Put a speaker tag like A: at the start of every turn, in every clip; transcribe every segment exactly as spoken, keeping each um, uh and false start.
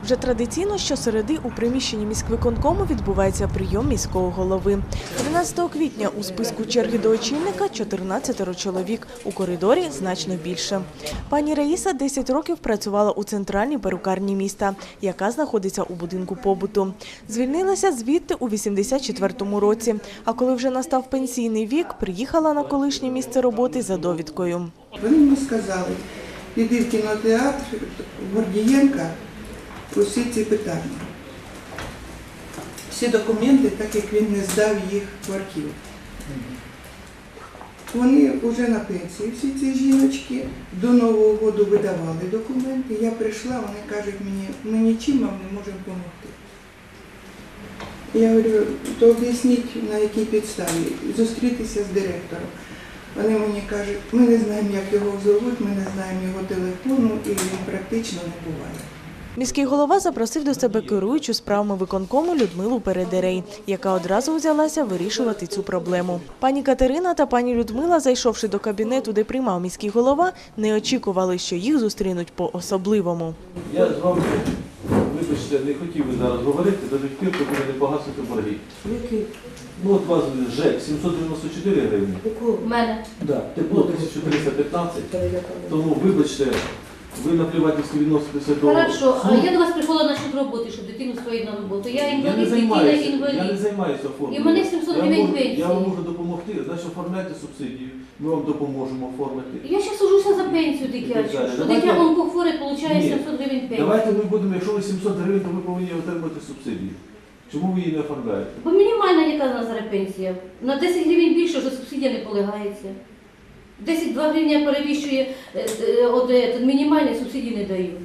A: Вже традиційно щосереди у приміщенні міськвиконкому відбувається прийом міського голови. тринадцятого квітня у списку черги до очільника чотирнадцять чоловік, у коридорі значно більше. Пані Раїса десять років працювала у центральній перукарні міста, яка знаходиться у будинку побуту. Звільнилася звідти у вісімдесят четвертому році, а коли вже настав пенсійний вік, приїхала на колишнє місце роботи за довідкою.
B: Вони мені сказали, піди в кінотеатр Гордієнка, усі ці питання. Всі документи, так як він не здав їх в архів. Вони вже на пенсії, всі ці жіночки, до Нового року видавали документи. Я прийшла, вони кажуть мені, ми нічим вам не можемо допомогти. Я говорю, то об'ясніть, на якій підставі, зустрітися з директором. Вони мені кажуть, ми не знаємо, як його зовуть, ми не знаємо його телефону, і він практично не буває.
A: Міський голова запросив до себе керуючу справами виконкому Людмилу Передерей, яка одразу взялася вирішувати цю проблему. Пані Катерина та пані Людмила, зайшовши до кабінету, де приймав міський голова, не очікували, що їх зустрінуть по-особливому.
C: Я з вами, вибачте, не хотів би зараз говорити, до тих пір, поки ви не погасите борги.
D: Які?
C: Ну от у вас ЖЕК сімсот дев'яносто чотири гривні.
D: У мене.
C: Да. Тепло тисяча триста п'ятнадцять. Тому, вибачте, ви наплівательськи відноситеся до...
D: Хорошо, а
C: Ну,
D: я до вас приходила насчет роботи, щоб дитину свою на роботу. Я
C: я не
D: інвалід, дитина
C: займаюся,
D: інвалід.
C: я не займаюся оформленням.
D: І в мене сімсот
C: Я
D: гривень
C: можу-
D: пенсії.
C: Я вам можу допомогти, значить оформляйте субсидію, ми вам допоможемо оформити.
D: Я ще сужуся за пенсію дитячу, що
C: Давайте-
D: дитя онкохворе отримує
C: Ні.
D: сімсот гривень пенсії.
C: Давайте ми будемо, якщо ви сімсот гривень, то ви повинні отримати субсидію. Чому ви її не оформляєте?
D: Бо мінімальна яка в нас зараз пенсія. На десять гривень більше вже субсидія не полягається. десять-два гривня перевищує е, е, от, е, мінімальні субсидії не дають.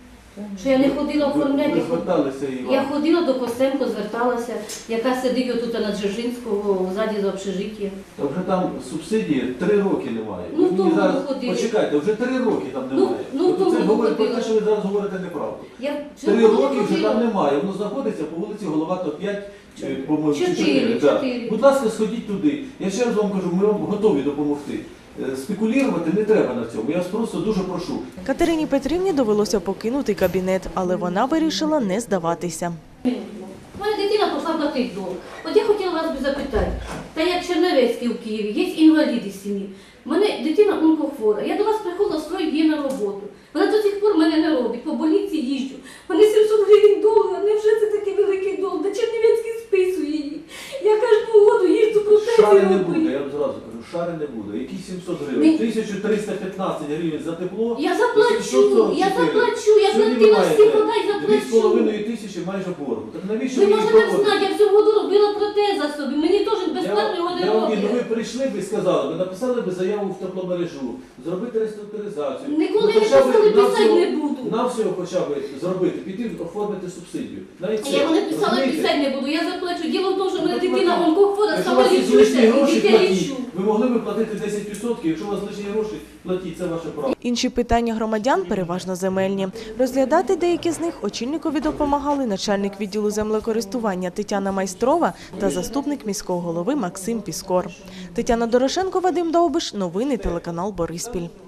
D: Що я не ходила
C: Ви,
D: оформляти.
C: ви зверталися і
D: Я
C: вам.
D: ходила до Костенко, зверталася, яка сидить отут на Дзержинського, ззаді за общежиттям.
C: Та вже там субсидії три роки немає.
D: Ну,
C: Ви мені
D: тому
C: зараз...
D: ходили.
C: Почекайте, вже три роки там
D: Ну,
C: немає.
D: ну,
C: Тобто
D: тому
C: це говорить про
D: ходила.
C: те, що ви зараз говорите неправду.
D: Я
C: Три
D: цього не
C: роки вже
D: ходила.
C: там немає. Воно знаходиться по вулиці Головато п'ять, е, по-моєму,
D: Чотири,
C: чотири, да.
D: чотири.
C: Будь ласка, сходіть туди. Я ще раз вам кажу, ми вам готові допомогти. Е, Спекулювати не треба на цьому. Я вас просто дуже прошу.
A: Катерині Петрівні довелося покинути кабінет, але вона вирішила не здаватися.
D: У мене дитина пішла платити долг. От я хотіла вас би запитати, та як Чернівецький у Києві, є інваліди з сім'ї. У мене дитина онкохвора. Я до вас приходила строїть її на роботу. Вона до сих пор мене не робить, по больниці їжджу. У мене сімсот гривень долга, невже це такий великий долг? Да Чернівецький списує її. Я кожну воду їжджу протези
C: Шари не
D: роблю.
C: буде, я вам зразу кажу, шари не буде. Які сімсот гривень?
D: Ні.
C: тисяча триста п'ятнадцять гривень за тепло.
D: Я
C: і
D: заплачу,
C: сімсот сорок
D: я
C: чотири.
D: заплачу, я
C: Сьогодні
D: платила
C: ви
D: всі
C: маєте
D: подай,
C: дві з
D: заплачу.
C: половиною тисячі майже боргу. Так навіщо
D: Ви
C: ви її
D: можете
C: проводите?
D: знати, я всього году робила протеза собі, мені теж
C: Я
D: безплатно його
C: вам-
D: не
C: я вам- ну, ви
D: роблять.
C: прийшли б і сказали, ви написали б заяву в тепломережу, зробити реструктуризацію.
D: Ніколи
C: Ну,
D: не
C: хоча б
D: писали,
C: на
D: писати
C: всього-
D: не буду.
C: На всього хоча б зробити, піти оформити субсидію. Навіть це,
D: Я його не писала,
C: розумієте?
D: писати не буду, я заплачу. Діло в тому, що в мене
C: Ну,
D: дитина
C: платіть.
D: онкохвора,
C: Якщо у
D: сама
C: вас є
D: лічуся,
C: лишні
D: і
C: гроші,
D: дитя
C: платіть.
D: лічу.
C: Ви могли б платити десять відсотків, якщо у вас лишні гроші, платіть, це ваше право.
A: Інші питання громадян переважно земельні. Розглядати деякі з них очільникові допомагали начальник відділу землекористування Тетяна Майстрова та заступник міського голови Максим Піскор. Тетяна Дорошенко, Вадим Довбиш. Новини телеканал Бориспіль.